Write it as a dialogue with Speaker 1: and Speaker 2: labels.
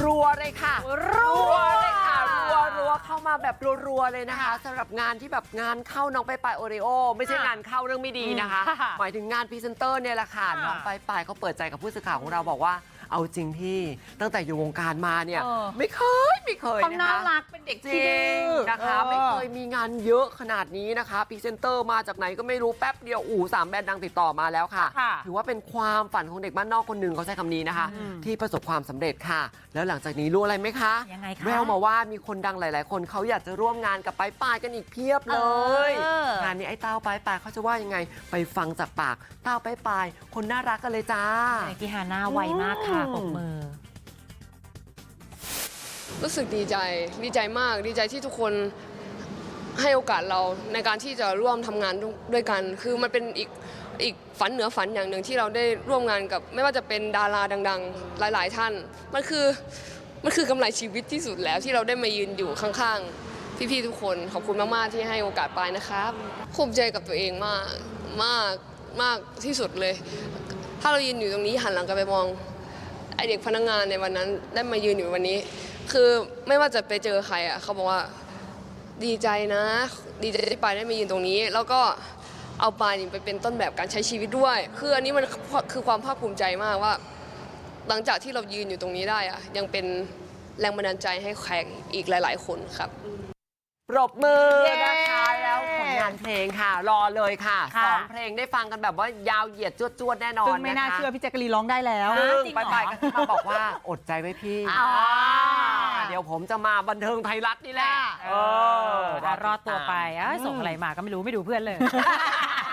Speaker 1: รัวเลยค่ะรัวเลยค่ะรัวเข้ามาแบบรัวเลยนะคะสำหรับงานที่แบบงานเข้าน้องไปโอริโอไม่ใช่งานเข้าเรื่องไม่ดีนะคะหมายถึงงานพรีเซนเตอร์เนี่ยแหละค่ะน้องไปเขาเปิดใจกับผู้สื่อข่าวของเราบอกว่าเอาจริงพี่ตั้งแต่อยู่วงการมาเนี่ยไม่เคย
Speaker 2: เขา
Speaker 1: นะคะ
Speaker 2: น่ารักเป็นเด็กที่ดื้อ
Speaker 1: นะคะไม่เคยมีงานเยอะขนาดนี้นะคะพรีเซนเตอร์มาจากไหนก็ไม่รู้แป๊บเดียว3 แบรนด์ดังติดต่อมาแล้วค่ะถือว่าเป็นความฝันของเด็กบ้านนอกคนหนึ่งเขาใช้คำนี้นะคะที่ประสบความสำเร็จค่ะแล้วหลังจากนี้รู้อะไรไหมคะ
Speaker 2: ยังไงคะ
Speaker 1: แววมาว่ามีคนดังหลายๆคนเขาอยากจะร่วมงานกับปายกันอีกเพียบเลยงานนี้ไอ้เต้าปายเขาจะว่ายังไงไปฟังจากปากเต้าปายคนน่ารักกันเลยจ้า
Speaker 2: ที่ฮาน่าไวมากค่ะปรบมือ
Speaker 3: รู้สึกดีใจมากดีใจที่ทุกคนให้โอกาสเราในการที่จะร่วมทำงานด้วยกันคือมันเป็นอีกฝันเหนือฝันอย่างหนึ่งที่เราได้ร่วมงานกับไม่ว่าจะเป็นดาราดังๆหลายๆท่านมันคือกำไรชีวิตที่สุดแล้วที่เราได้มายืนอยู่ข้างๆพี่ๆทุกคนขอบคุณมากๆที่ให้โอกาสไปนะครับภูมิใจกับตัวเองมากที่สุดเลยถ้าเรายืนอยู่ตรงนี้หันหลังกลับไปมองไอเด็กพนักงานในวันนั้นได้มายืนอยู่วันนี้คือไม่ว่าจะไปเจอใครอ่ะเขาบอกว่าดีใจนะดีใจที่ปายได้มายืนตรงนี้แล้วก็เอาปายไปเป็นต้นแบบการใช้ชีวิตด้วยคืออันนี้มันคือความภาคภูมิใจมากว่าหลังจากที่เรายืนอยู่ตรงนี้ได้อ่ะยังเป็นแรงบันดาลใจให้แขกอีกหลายๆคนครับ
Speaker 1: ปรบมือนะคะแล้วผลงานเพลงค่ะรอเลยค่ะ2 เพลงได้ฟังกันแบบว่ายาวเหยียดจวดแน่นอน
Speaker 2: ซึ่งไม่น่าเชื่อพี่แจ๊กกะลีร้องได้แล้ว
Speaker 1: ซึ่งไปก็มาบอกว่าอดใจไว้พี่เดี๋ยวผมจะมาบันเทิงไทยรัฐนี่แหละ
Speaker 2: รอดตัวไปส่งอะไรมาก็ไม่รู้ไม่ดูเพื่อนเลย